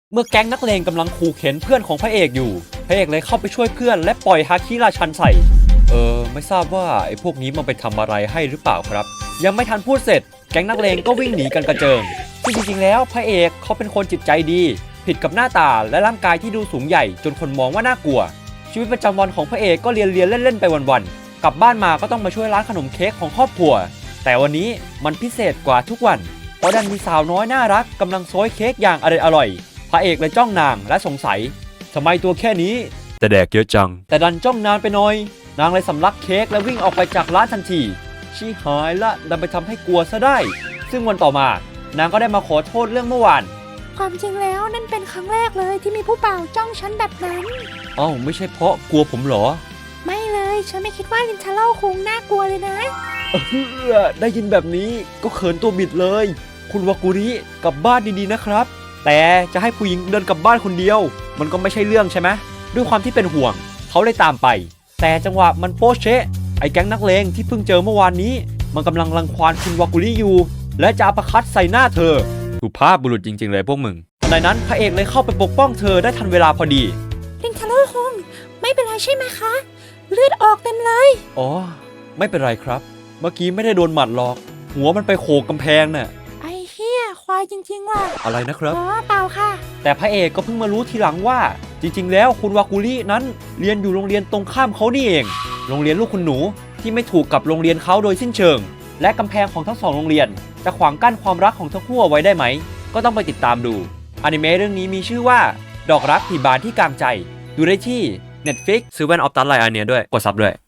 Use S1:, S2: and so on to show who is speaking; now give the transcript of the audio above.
S1: เมื่อแก๊งนักเลงกำลังขู่เข็นเพื่อนของพระเอกอยู่พระเอกเลยเข้าไปช่วยเพื่อนและปล่อยฮาคิราชันใส่ไม่ทราบว่าไอ้พวกนี้มันไปทำอะไรให้หรือเปล่าครับยังไม่ทันพูดเสร็จแก๊งนักเลงก็วิ่งหนีกันกระเจิงซึ่งจริงๆแล้วพระเอกเขาเป็นคนจิตใจดีผิดกับหน้าตาและร่างกายที่ดูสูงใหญ่จนคนมองว่าน่ากลัวชีวิตประจำวันของพระเอกก็เรียนเล่นๆไปวันๆกลับบ้านมาก็ต้องมาช่วยร้านขนมเค้กของครอบครัวแต่วันนี้มันพิเศษกว่าทุกวันเพราะดันมีสาวน้อยน่ารักกำลังโซยเค้กอย่างอร่อยพระเอกเลยจ้องนางและสงสัยทำไมตัวแค่นี้แต่แดกเยอะจังแต่ดันจ้องนานไปหน่อยนางเลยสำลักเค้กและวิ่งออกไปจากร้านทันทีชี้หายละดันไปทำให้กลัวซะได้ซึ่งวันต่อมานางก็ได้มาขอโทษเรื่องเมื่อวาน
S2: ความจริงแล้วนั่นเป็นครั้งแรกเลยที่มีผู้บ่าวจ้องฉันแบบนั้น
S1: ไม่ใช่เพราะกลัวผมเหรอ
S2: ไม่เลยฉันไม่คิดว่าลินทาโร่คงน่ากลัวเลยนะ
S1: ได้ยินแบบนี้ก็เขินตัวบิดเลยคุณวากุริกลับบ้านดีๆนะครับแต่จะให้ผู้หญิงเดินกลับบ้านคนเดียวมันก็ไม่ใช่เรื่องใช่ไหมด้วยความที่เป็นห่วงเขาเลยตามไปแต่จังหวะมันโป๊ะเชะไอ้แก๊งนักเลงที่เพิ่งเจอเมื่อวานนี้มันกำลังรังควานคุณวากุริอยู่และจะอัปคัตใส่หน้าเธอสุภาพบุรุษจริงๆเลยพวกมึงในนั้นพระเอกเลยเข้าไปปกป้องเธอได้ทันเวลาพอดี
S2: ลินทาโร่คงไม่เป็นไรใช่ไหมคะเลือดออกเต็มเลย
S1: ไม่เป็นไรครับเมื่อกี้ไม่ได้โดนหมัดหรอกหัวมันไปโขกกำแพงน่ะ
S2: ไอ้เหี้ยควายจริงๆว่ะ
S1: อะไรนะครับ
S2: เปล่าค่ะ
S1: แต่พระเอกก็เพิ่งมารู้ทีหลังว่าจริงๆแล้วคุณวากุรินั้นเรียนอยู่โรงเรียนตรงข้ามเขานี่เองโรงเรียนลูกคุณหนูที่ไม่ถูกกับโรงเรียนเขาโดยสิ้นเชิงและกำแพงของทั้งสองโรงเรียนจะขวางกั้นความรักของทั้งคู่เอาไว้ได้ไหมก็ต้องไปติดตามดูอนิเมะเรื่องนี้มีชื่อว่าดอกรักผีบานที่กลางใจดูได้ที่ Netflix ซื้อแว่นออฟตัสไลน์อันเนี้ยด้วยกดซับด้วย